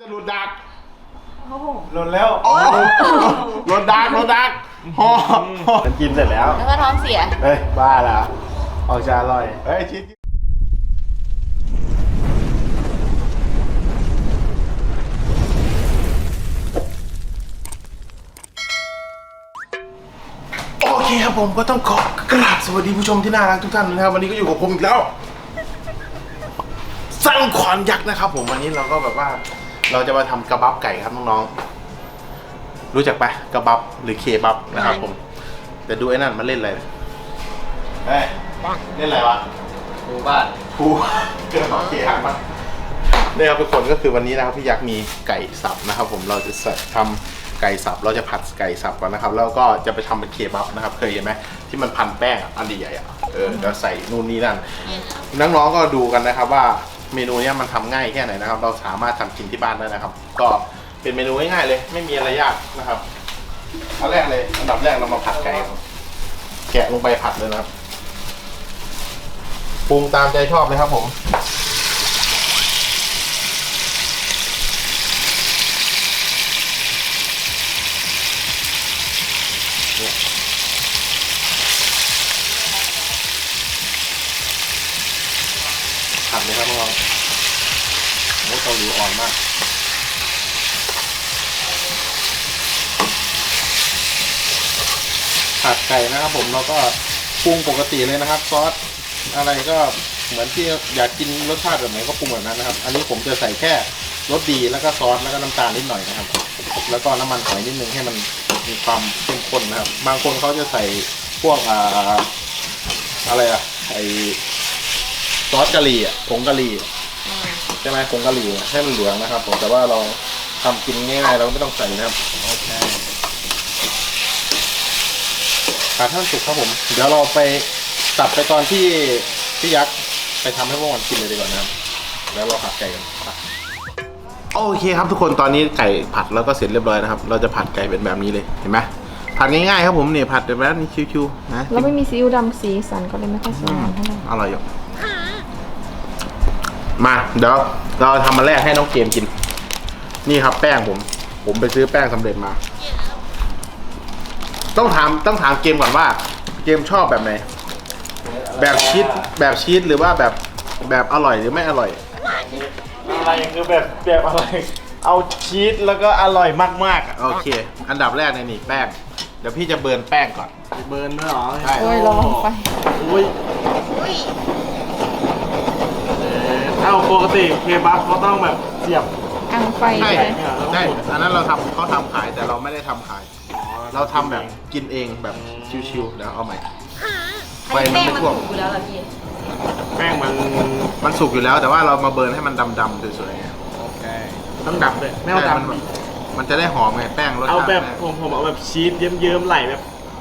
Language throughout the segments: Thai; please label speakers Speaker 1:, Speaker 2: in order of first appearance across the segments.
Speaker 1: หลุดดัก
Speaker 2: หล่นแล้ว
Speaker 1: หลุดดักหอ
Speaker 2: มันกินเสร็จแล้ว
Speaker 3: แล้วก็ท้องเสีย
Speaker 2: เฮ้ยบ้าแล้วออกจะอร่อย
Speaker 1: เฮ้ยชิ้นโอเคครับผมก็ต้องขอกราบสวัสดีผู้ชมที่น่ารักทุกท่านนะครับวันนี้ก็อยู่กับผมอีกแล้วสร้างขวัญยักษ์นะครับผมวันนี้เราก็แบบว่าเราจะมาทำกระบับไก่ครับน้องๆรู้จักปะกระบับหรือเคบับนะครับผมแต่ดูไอ้นั่นมันเล่นอะไรเฮ้ยเล่นอะไรวะ
Speaker 2: ดูบ้าน
Speaker 1: กูเกิดโอเคครับนี่ครับทุกคนก็คือวันนี้นะครับพี่ยักษ์มีไก่สับนะครับผมเราจะทำไก่สับเราจะผัดไก่สับก่อนนะครับแล้วก็จะไปทำเป็นเคบับนะครับเคยเห็นไหมที่มันพันแป้งอันใหญ่ๆแล้วใส่นู่นนี่นั่นน้องๆก็ดูกันนะครับว่าเมนูนี้มันทำง่ายแค่ไหนนะครับเราสามารถทำกินที่บ้านได้นะครับก็เป็นเมนูง่ายๆเลยไม่มีอะไรยากนะครับอันแรกเลยอันดับแรกเรามาผัดไก่แกะลงไปผัดเลยนะครับปรุงตามใจชอบเลยครับผมผัดเลยครับน้องๆเกาหลีอ่อนมากผัดไก่นะครับผมเราก็ปรุงปกติเลยนะครับซอสอะไรก็เหมือนที่อยากกินรสชาติแบบไหนก็ปรุงแบบนั้นนะครับอันนี้ผมจะใส่แค่รสดีแล้วก็ซอสแล้วก็น้ำตาลนิดหน่อยนะครับแล้วก็น้ำมันหอยนิดนึงให้มันมีความเข้มข้นนะครับบางคนเขาจะใส่พวกอะไรไอซอสกะหรี่ผงกะหรี่ใช่ไหมผงกะหรี่ให้มันเหลืองนะครับผมแต่ว่าเราทำกินง่ายๆเราไม่ต้องใส่นะครับโอเคผัดให้มันสุกครับผมเดี๋ยวเราไปตัดไปตอนที่พี่ยักษ์ไปทำให้พวกมันกินเลยดีกว่านะครับแล้วเราผัดไก่กันโอเคครับทุกคนตอนนี้ไก่ผัดแล้วก็เสร็จเรียบร้อยนะครับเราจะผัดไก่เป็นแบบนี้เลยเห็นไหมผัดง่ายๆครับผมเนี่ยผัดแบบนี้ชิวๆนะ
Speaker 3: เราไม่มีซีอิ๊วดำสีสันก็เลยไม่ค่อยสวยงามเท่าไหร่
Speaker 1: อร่อยอยู่มาเดี๋ยวเราทำมาแรกให้น้องเกมกินนี่ครับแป้งผมไปซื้อแป้งสำเร็จมาต้องถามเกมก่อนว่าเกมชอบแบบไหนแบบชีสหรือว่าแบบอร่อยหรือไม่อร่อย
Speaker 2: อะไรคือแบบอะไรเอาชีสแล้วก็อร่อยมาก
Speaker 1: ๆโอเคอันดับแรกนี่แป้งเดี๋ยวพี่จะเบิร์นแป้งก่อน
Speaker 2: เบิร์นด้วยหรอ
Speaker 1: ใช่
Speaker 3: โอ้ยลองไป
Speaker 2: อุ้ยเอาปกติเคบับเขาต้องแบบเสียบ
Speaker 3: อังไฟ
Speaker 1: ใช่อันนั้นเขาทำขายแต่เราไม่ได้ทำขายเราทำแบบกินเองแบบชิวๆเดี๋ยวเอาใหม่ไฟมันไม่ท่วม
Speaker 3: อยู่แล้วเหรอพี่
Speaker 2: แป้ง
Speaker 1: มันสุกอยู่แล้วแต่ว่าเรามาเบิร์นให้มันดำๆสวย
Speaker 2: ๆโอเคต้องดำด้วยไม่เอาดำ
Speaker 1: มันจะได้หอมไงแป้งรสชาติ
Speaker 2: เอาแบบผมเอาแบบชีสเยิ้มๆไหลแบบ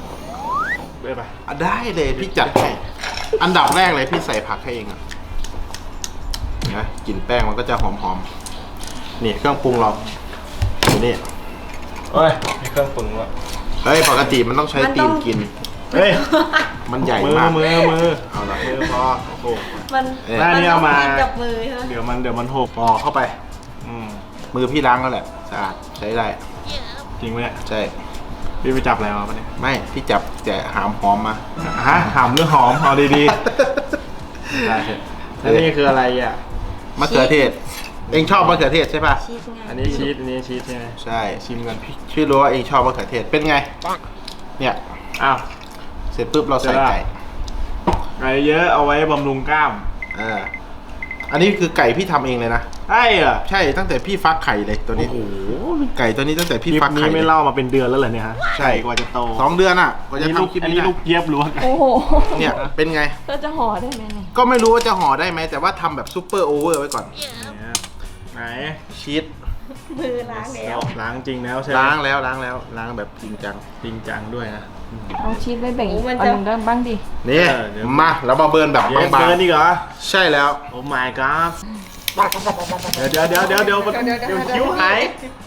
Speaker 1: ได้เลยพี่จัดให้อันดับแรกเลยพี่ใส่ผักให้เองอ่ะนะกลิ่นแป้งมันก็จะหอมๆนี่เครื่องปรุงเรานี่
Speaker 2: เฮ้ยมีเครื่องปรุงแล้ว
Speaker 1: เฮ้ยปกติมันต้องใช้ตีนกิน
Speaker 2: เฮ้ย
Speaker 1: มันใหญ่มาก
Speaker 2: มือ
Speaker 1: เอาละมือพอโอ้โห
Speaker 3: มัน
Speaker 2: นี่เอามา
Speaker 3: จับมือ
Speaker 2: เดี๋ยวมันหก
Speaker 1: พอเข้าไปมือพี่ล้างแล้วแหละสะอาดใช้ได้
Speaker 2: จริงไหมเนี่ย
Speaker 1: ใช่
Speaker 2: พี่ไปจับอะไรมาปะเนี่ย
Speaker 1: ไม่พี่จับแต่หามหอมมา
Speaker 2: หามหรือหอมเอาดีๆได้แล้วนี่คืออะไรอ่ะ
Speaker 1: มะเขือเทศเองชอบมะเขือเทศใช่ป่ะ
Speaker 2: อันนี้ชีสใช่ไหม
Speaker 1: ใช่
Speaker 2: ชิมกัน
Speaker 1: พี่ชื่อรู้ว่าเองชอบมะเขือเทศเป็นไงเนี่ย
Speaker 2: อ้าว
Speaker 1: เสร็จปุ๊บเราใส่ไก่
Speaker 2: เยอะเอาไว้บำรุงกล้าม
Speaker 1: อันนี้คือไก่พี่ทำเองเลยนะ
Speaker 2: ใช่เหรอ
Speaker 1: ใช่ตั้งแต่พี่ฟักไข่เลยตัวนี้โอ้โหไก่ตัวนี้ตั้งแต่พี่ฟักไข่
Speaker 2: นี้ไม่เล่ามาเป็นเดือนแล้วเหรอเนี่ยฮะ
Speaker 1: ใช่
Speaker 2: กว่าจะโต
Speaker 1: 2 เดือนอ่ะกว่าจะทำคลิปนี้
Speaker 2: ลูกเจี๊ยบหรือว่า
Speaker 3: โอ้โห
Speaker 1: เนี่ยเป็นไง
Speaker 3: เราจะห่อได้ไหม
Speaker 1: ก็ไม่รู้ว่าจะห่อได้ไหมแต่ว่าทำแบบซุปเปอร์โอเวอร์ไว้ก่อน
Speaker 2: ไหน
Speaker 1: ชีส
Speaker 3: มือล้างแล้ว
Speaker 2: ล้างจริงแล้วใช่ไหม
Speaker 1: ล้างแบบจริงจังด้วยนะ
Speaker 3: เอาชีสไว้แบ่งอันนึงได้บ้างดิ
Speaker 1: นี่มาแล้วมาเบิร์นแบบบางๆ
Speaker 2: เบิร์นนี่เหรอ
Speaker 1: ใช่แล้ว
Speaker 2: โอ้ my god เดี๋ยวคิ้วหาย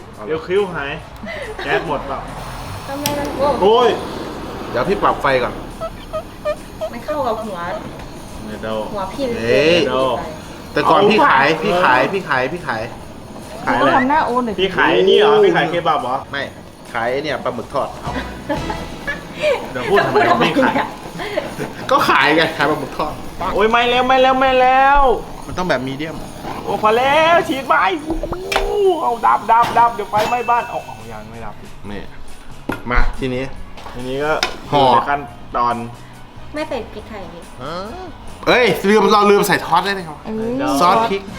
Speaker 2: แก๊สหมดเปล่า
Speaker 3: ทำไมมัน
Speaker 2: โอ้ย
Speaker 1: เดี๋ยวพี่ปรับไฟก่อน
Speaker 3: มันเข้ากับหัวพี่
Speaker 1: แต่ก่อนพี่ขาย
Speaker 2: ขาย
Speaker 3: ก็
Speaker 2: อะไร
Speaker 3: ทำหน้าโอนหน่อย
Speaker 2: พี่ขายนี่เหรอพี่ขายเคบับเหรอ
Speaker 1: ไม่ขายเนี่ยปลาหมึกทอด
Speaker 2: เดี๋ยวพูดทำไมพี่ขาย
Speaker 1: ก็ขายไงขายปลาหมึกทอด
Speaker 2: โอ้ยไม่แล้วไม่แล้วไม่แล้ว
Speaker 1: มันต้องแบบมีเดียม
Speaker 2: โอ้พอแล้วฉีดไปเอาดับเดี๋ยวไฟไหม้บ้านเอายังไม่ดับ
Speaker 1: นี่มาทีนี้
Speaker 2: ทีนี้ก็
Speaker 1: ห่อ
Speaker 2: ในขั้นตอน
Speaker 3: ไม่ใส่พริกไทยนี่
Speaker 1: เอ้ยเราลืมใส่ทอสได้ไหมครับ
Speaker 3: เออ
Speaker 1: ซอสพริก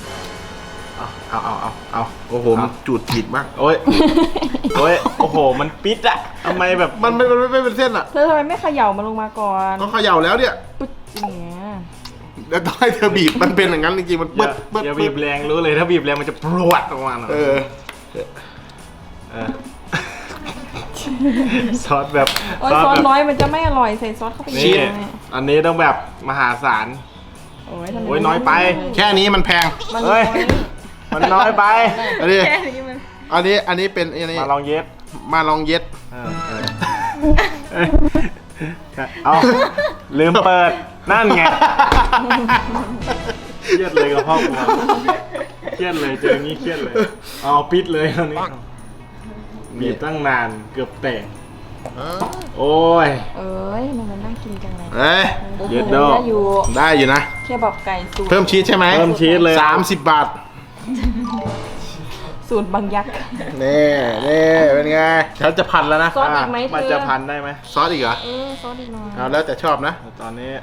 Speaker 2: เอา
Speaker 1: โอ้โหมันจูดจีดมาก
Speaker 2: โอ้ยโอ้โหมันปิดอะทำไมแบบ
Speaker 1: มันไม่เป็นเส้นอ่ะ
Speaker 3: เธอทำไมไม่เขย่ามันลงมาก่อน
Speaker 1: ก็เขย่าแล้วเนี่ย
Speaker 3: ปึ๊ดอย่างเงี้ย
Speaker 1: แล้วต้องให้เธอบีบมันเป็นอย่างนั้นจริงๆมันปึ๊ด
Speaker 2: อย่าบีบแรงรู้เลยถ้าบีบแรงมันจะปรวดออกมาหน่อย
Speaker 1: เออ
Speaker 2: ซอสแบบ
Speaker 3: โอ้ยซอสน้อยมันจะไม่อร่อยใส่ซอสเข้าไป
Speaker 2: นี่
Speaker 3: เยอะ
Speaker 2: อันนี้ต้องแบบมหาศาล
Speaker 3: โอ้ยทำไม
Speaker 2: โอ้ยน้อยไป
Speaker 1: แค่นี้มันแพง
Speaker 3: มัน
Speaker 2: เฮ้ย มันน้อยไป
Speaker 1: อันนี้
Speaker 3: แค่นี้มัน
Speaker 1: อันนี้เป็นอันนี้
Speaker 2: มาลองเย็บ
Speaker 1: มาลองเย็ด
Speaker 2: เอาลืมเปิดนั่นไงเครียดเลยกับพ่อกูเครียดเลยเจออย่างนี้เครียดเลยเอาปิดเลยตอนนี้บีบตั้งนานเกือบแตกโอ้ย
Speaker 3: เอ้ยมันน่ากินจังเลย
Speaker 1: เอ้ย
Speaker 2: เย็ดโด
Speaker 3: ได้อยู่
Speaker 1: ได้อยู่นะ
Speaker 3: แค่แบบไก่สูตร
Speaker 1: เพิ่มชีสใช่ไหม
Speaker 2: เพิ่มชีสเลย
Speaker 1: 30 บาท
Speaker 3: สูตรบางยักษ์
Speaker 1: นี่เป็นไงฉันจะพันแล้วนะ
Speaker 3: ซอสอีกไหมเธอ
Speaker 2: มันจะพันได้ไหม
Speaker 1: ซอสอีกเหรอ
Speaker 3: ซอสอีกหน่อย
Speaker 1: เอาแล้วแต่ชอบนะ
Speaker 2: ตอนนี้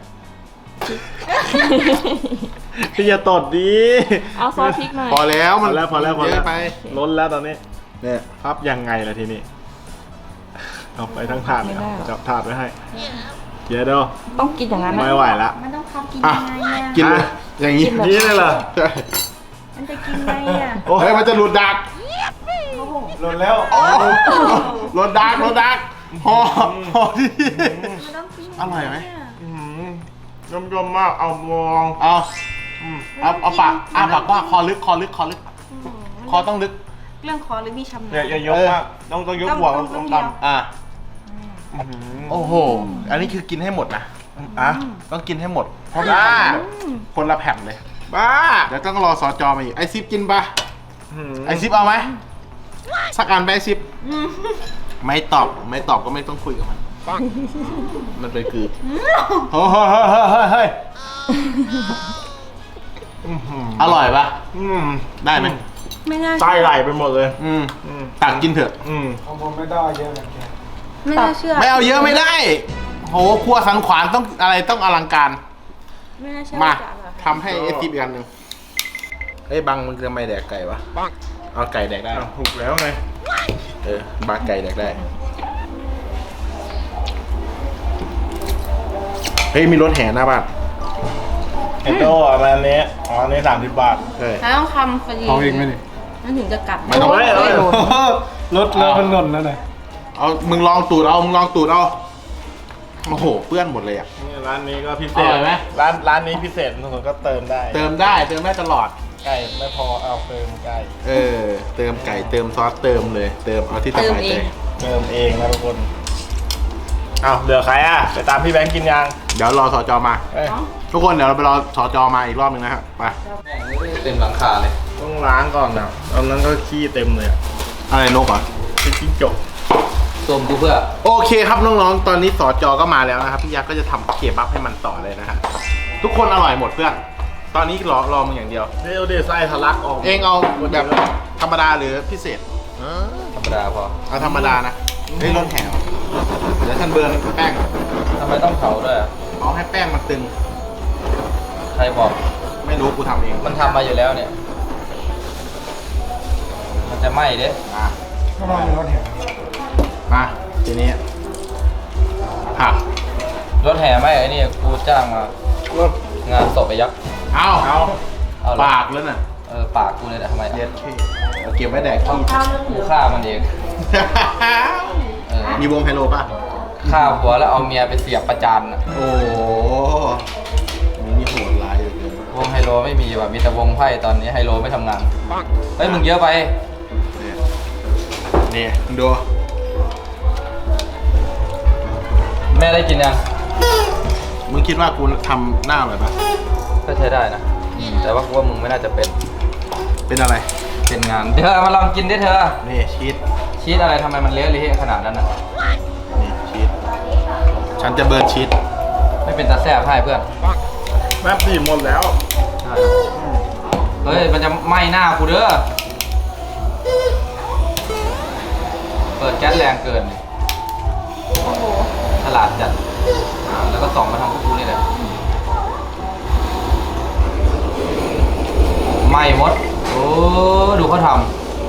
Speaker 2: พี่อย่าตดดี
Speaker 3: เอาซอสพริกหน่อย
Speaker 1: พอแล้ว
Speaker 2: พ
Speaker 1: มัน
Speaker 2: อแล้วพอแล้ว
Speaker 1: เยอะไป
Speaker 2: ล้นแล้วตอนนี้
Speaker 1: เนี่ย
Speaker 2: พับยังไงล่ะทีนี้เอาไปทั้งถาดเลยเอาจับถาดไว้ให้เดี๋ยวเดี๋ยว
Speaker 3: ต้องกินอย่างนั้นนะ
Speaker 2: ไม่ไหวละ
Speaker 3: มันต้องพับกิน
Speaker 1: อ่ะ
Speaker 3: ยังไงอ่ะ
Speaker 1: กินเลยอย่างนี้
Speaker 2: นี่เลยเหรอ
Speaker 1: ใช่
Speaker 3: มันจะกินไงอ่ะ
Speaker 2: โอ้
Speaker 1: เฮ้ยมันจะหลุดดัก
Speaker 2: หล่นแล้ว
Speaker 1: หลุดดักพอที่
Speaker 3: มันต้องกิน
Speaker 1: อร่อยไหม
Speaker 2: ยมมากเอามอง
Speaker 1: เอาปากปากว่าคอลึกคอต้องลึก
Speaker 3: เรื่องคอหรือมีชำนาญ
Speaker 2: อย่ายกมากต้องยกหัวต้องต่ำ
Speaker 1: อ่ะโอ้โหอันนี้คือกินให้หมดนะต้องกินให้หมดเพราะว่าคนละแผ่นเลย
Speaker 2: บ้า
Speaker 1: เดี๋ยวต้องรอสจมาอีกไอซิปกินปะไอซิปเอาไหมสักอันไปไอซิปไม่ตอบก็ไม่ต้องคุยกับมันมันเป็นคือเฮ้ยอร่อยปะได้ไหม
Speaker 3: ไม่น่า
Speaker 2: ไส้ไหลไปหมดเลย
Speaker 1: ตักกินเถอะ
Speaker 4: ของผมไม่ได้เยอะเหมือนกัน
Speaker 3: ไม่น่าเชื่อ
Speaker 1: ไม่เอาเยอะไม่ได้โหครัวสังขวานต้องอะไรต้องอลังการ
Speaker 3: ไม่น่าเชื่อ
Speaker 1: มา
Speaker 3: จะอร่อย
Speaker 1: ทำให้ไอซิปอีกอันหนึ่งเฮ้ยบังมึงทำไมแดกไก่วะเอาไก่แดกได้
Speaker 2: ถูกแล้วไง
Speaker 1: บาไก่แดกได้เฮ้ยมีรถแห่หน้าบ้าน
Speaker 2: เอ็นโดอันนี้อันนี้30 บาท
Speaker 1: เฮ้ย
Speaker 3: แล้วต้องคำพอดี
Speaker 4: เอาอีกไหมนี่
Speaker 3: มันถึงจะกลับ
Speaker 1: ไม่ต้อง
Speaker 2: เฮ้ย
Speaker 4: รถแล้วมันหล่นแล้วไหน
Speaker 1: เอามึงลองตูดเอาโอ้โหเปื้อนหมดเลยอ่ะ
Speaker 2: นี่ร้านนี้ก็พิเศ
Speaker 1: อ
Speaker 2: ษ
Speaker 1: ร่อยไหม
Speaker 2: ร้านนี้พิเศษทุกคนก็เติมได้
Speaker 1: เติมได้ตลอด
Speaker 2: ไก่ไม่พอเอาเติมไก่
Speaker 1: เติมไก่เติมซอสเติมเลยเติมเอาที่สบายใจ
Speaker 2: เติมเองนะทุกคนเอาเหลือใครอ่ะไปตามพี่แบงค์กินยัง
Speaker 1: เดี๋ยวรอสจมา
Speaker 2: เอ้ย
Speaker 1: ทุกคนเดี๋ยวเราไปรอสจมาอีกรอบนึงนะครับไป
Speaker 5: เต็มหลังคาเลย
Speaker 2: ต้องล้างก่อนนะตอนนั้นก็ขี้เต็มเลยอะ
Speaker 1: อะไรนกเหรอ
Speaker 2: เป็นจิ้งจก
Speaker 5: ส้มกูเพื่อ
Speaker 1: โอเคครับน้องๆตอนนี้สจก็มาแล้วนะครับพี่ยักษ์ก็จะทำเคบับให้มันต่อเลยนะฮะทุกคนอร่อยหมดเพื่อนตอนนี้รอมึงอย่างเดียว
Speaker 2: เดี๋ยวไส้ทะลักออก
Speaker 1: เองเอาแบบธรรมดาหรือพิเศษ
Speaker 5: ธรรมดาพอ
Speaker 1: เอาธรรมดานะเฮ้ยรถแห่เดี๋ยวท่านเบิร์นแป้ง
Speaker 5: ทำไมต้องเผาด้วยอะ
Speaker 1: เอาให้แป้งมันตึง
Speaker 5: ใครบอก
Speaker 1: ไม่รู้กูทำเอง
Speaker 5: มันทำมาอยู่แล้วเนี่ย มันจะไหม้เด้
Speaker 1: มา
Speaker 4: ก็มาเป็นรถแห่
Speaker 1: มาทีนี้ผัก
Speaker 5: รถแห่ไหม้ไอ้นี่กูจ้างมางานศพไอ้ยักษ์
Speaker 1: เอา
Speaker 2: เอา
Speaker 5: เอาเลย
Speaker 1: ปากแล้วน่ะ
Speaker 5: ปากกูเลยนะทำไม
Speaker 1: เย็
Speaker 5: อะ
Speaker 1: ดขี้เอาเก็บไว้แดกขี้
Speaker 5: กูฆ่ามันเองเออ
Speaker 1: มีวงไฮโลป่ะ
Speaker 5: ฆ่าผัวแล้วเอาเมียไปเสียบประจานอะ
Speaker 1: โอ้โหมีโหดร้ายเหลย
Speaker 5: วงไฮโลไม่มีว่ะมีแต่วงไพ่ตอนนี้ไฮโลไม่ทำงานเฮ้ยมึงเยอะไป
Speaker 1: เนี่ยมึงดู
Speaker 5: แม่ได้กินยัง
Speaker 1: มึงคิดว่ากูทำหน้าแบบปะ
Speaker 5: ก็ใช้ได้นะแต่ว่ากูว่ามึงไม่น่าจะเป็น
Speaker 1: เป็นอะไร
Speaker 5: เป็นงานเธอมาลองกินดิเธอ
Speaker 1: นี่ชีส
Speaker 5: ชีสอะไรทำไมมันเละขนาดนั้นอ่ะ
Speaker 1: นี่ชีสฉันจะเบิร์นชีส
Speaker 5: ไม่เป็นตาแซ่บให้เพื่อน
Speaker 2: แป๊บดีหมดแล้ว
Speaker 5: เฮ้ยมันจะไหม้หน้ากูเด้อเปิดแก๊สแรงเกินดิ
Speaker 3: โอ้โห
Speaker 5: ฉลาดจัดแล้วก็ส่องมาทางพวกกูนี่แหละไหม้หมดโอ้ดูเขาท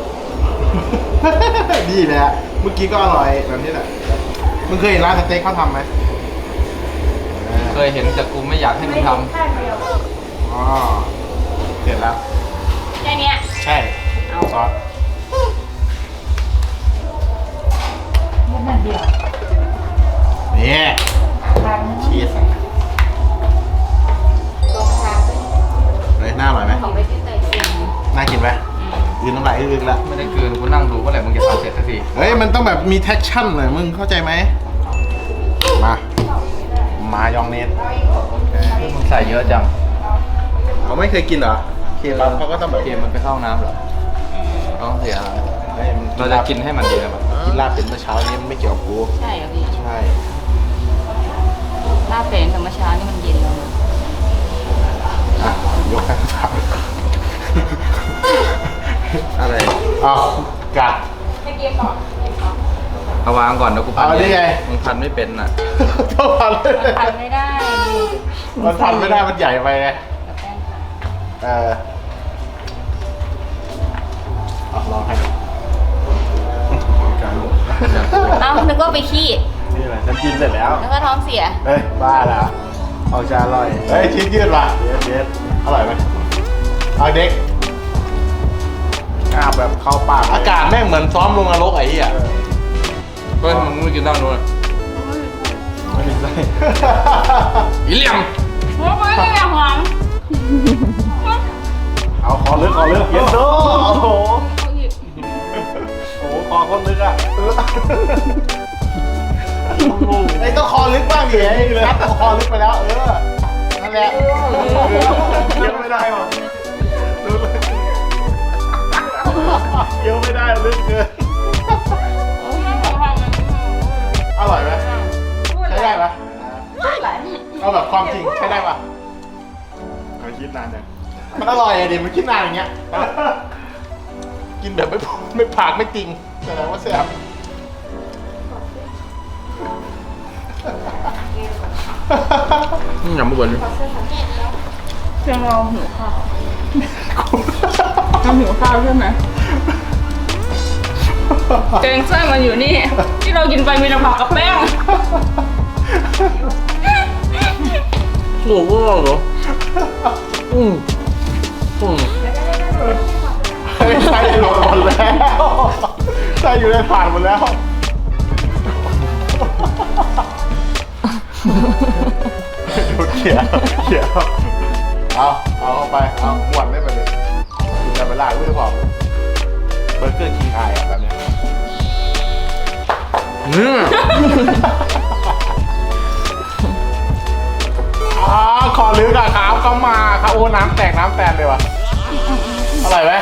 Speaker 1: ดีเลยอะเมื่อกี้ก็อร่อยแบบนี้แหละมึงเคยเห็นร้านสเต็กเขาทำไหม
Speaker 5: ำเคยเห็นแต่กูไม่อยากให้มึงท
Speaker 1: อ๋อเสร็จแล้ว
Speaker 3: แค่เนี้ย
Speaker 1: ใช่ซอสนี่ชีสเฮ้ยน่าอร่อยไหม
Speaker 3: ของไปที่ใส่เอง
Speaker 1: น่ากินไหมยืนน้ำลายอึกๆแล้ว
Speaker 5: ำไม่ได้คืนกูนั่งดูเมื่อไหร่มึงจะทำเสร็จสักที
Speaker 1: เฮ้ยมันต้องแบบมีแท็กชั่นหน่อยมึงเข้าใจไหมมามายองเนส
Speaker 5: มึงใส่เยอะจัง
Speaker 1: เขาไม่เคยกินเหรอเคบับเขาก็ต้องแบบ
Speaker 5: เกมมันไปเข้าน้ำเหรอต้องเสีย
Speaker 1: เฮ้ยมัน
Speaker 5: เราจะกินให้มันดีนะมัน
Speaker 1: กินลาบเป็นเมื่อเช้านี้มันไม่เกี่ยวกับกู
Speaker 3: ใช่เหรอพี่
Speaker 1: ใช่
Speaker 3: ลาบเป็ดธรรมชาตินี่มันเย็นแล้วนะ
Speaker 1: อ่ะยกให้เขาถามอะไรอ้าวกัด
Speaker 5: เอาวางก่อนเดี๋ยวกูพัน
Speaker 1: เอาได้ไง
Speaker 5: มึงพันไม่เป็นน่ะ
Speaker 1: ต้องพันเลย
Speaker 3: ทานไม่ได้ดิ
Speaker 1: มันพันไม่ได้มันใหญ่ไปไง
Speaker 3: กับแป้งค่ะ
Speaker 1: เอาลองให้การ
Speaker 3: เอ้านึกว่าไปขี้
Speaker 1: นี่แหละฉันกินเสร็จแล้ว
Speaker 3: แล้วก็ท้องเสีย
Speaker 1: เฮ้ยบ้าแล้วเอาจะอร่อยเฮ้ยชิ้นยืดว่ะเด็ดอร่อยไหมเอาเด็กอาบแบบเข้าปากอากาศแม่งเหมือนซ้อมลงนรกไอ้เหี้ย
Speaker 5: เฮ้ยมึงไม่กินด้านนู้นอะ
Speaker 1: ไม่มีไส้
Speaker 5: อีเหลี่ยม
Speaker 3: โอ้ยไม่อยากหวัง
Speaker 1: เอาคอลึกเย็นโตโอ้โหโอ้โหคอคนลึกอ่ะไอ้ต้องคอลึกบ้างดิไอ้นัดคอลึกไปแล้วนั่นแหละเยอะไม่ได้หรอเยอะไม่ได้ลึกเกินอร่อยไหมใช้ได้ปะเอาแบบความจริงใช้ได้ปะ
Speaker 2: เขาคิดนานจัง
Speaker 1: มันอร่อยอะดิมันคิดนานอย่างเงี้ยกินแบบไม่ผักไม่จริงแสดงว่าแซ่บ
Speaker 5: อย่ามาบ่น
Speaker 3: เพียงเราหิวข้าวเราหิวข้าวใช่ไหมแกงไส้มันอยู่นี่ ที่เรากินไปมีแต่ผักกับแป้ง
Speaker 5: โง่ว่าเหรออืม
Speaker 1: เฮ้ยไส้หล่นหมดแล้วไส้อยู่ในถาดหมดแล้วดูเขียวเอาเข้าไปเอาหมวนได้ไปเลยคุณจะไปลากไม่ได้บอกเบอร์เกอร์คิงไออะแบบเนี้ย ขอลึกอะครับเข้ามาครับโอ้น้ำแตกน้ำแตนเลยว่ะอร่อยไหม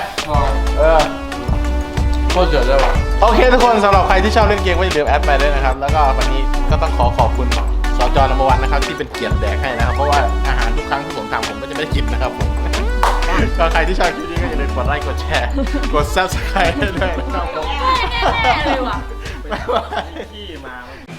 Speaker 1: โคตรเจ๋อเลยว่ะโอเคทุกคนสำหรับใครที่ชอบเล่นเกมก็อย่าลืมแอดไปด้วยนะครับแล้วก็วันนี้ก็ต้องขอบคุณสจน.1นะครับที่เป็นเกียรติแดกให้นะครับเพราะว่าอาหารทุกครั้งที่ผมทำผมก็จะไม่ได้กินนะครับผมก็ใครที่ชอบคลิปนี้ก็อย่าลืมกดไลค์กดแชร์กด subscribe ให้ด้วยนะครับผม
Speaker 3: แน่ๆเลยว่ะ
Speaker 1: บ๊ายบาย
Speaker 2: ขี้มา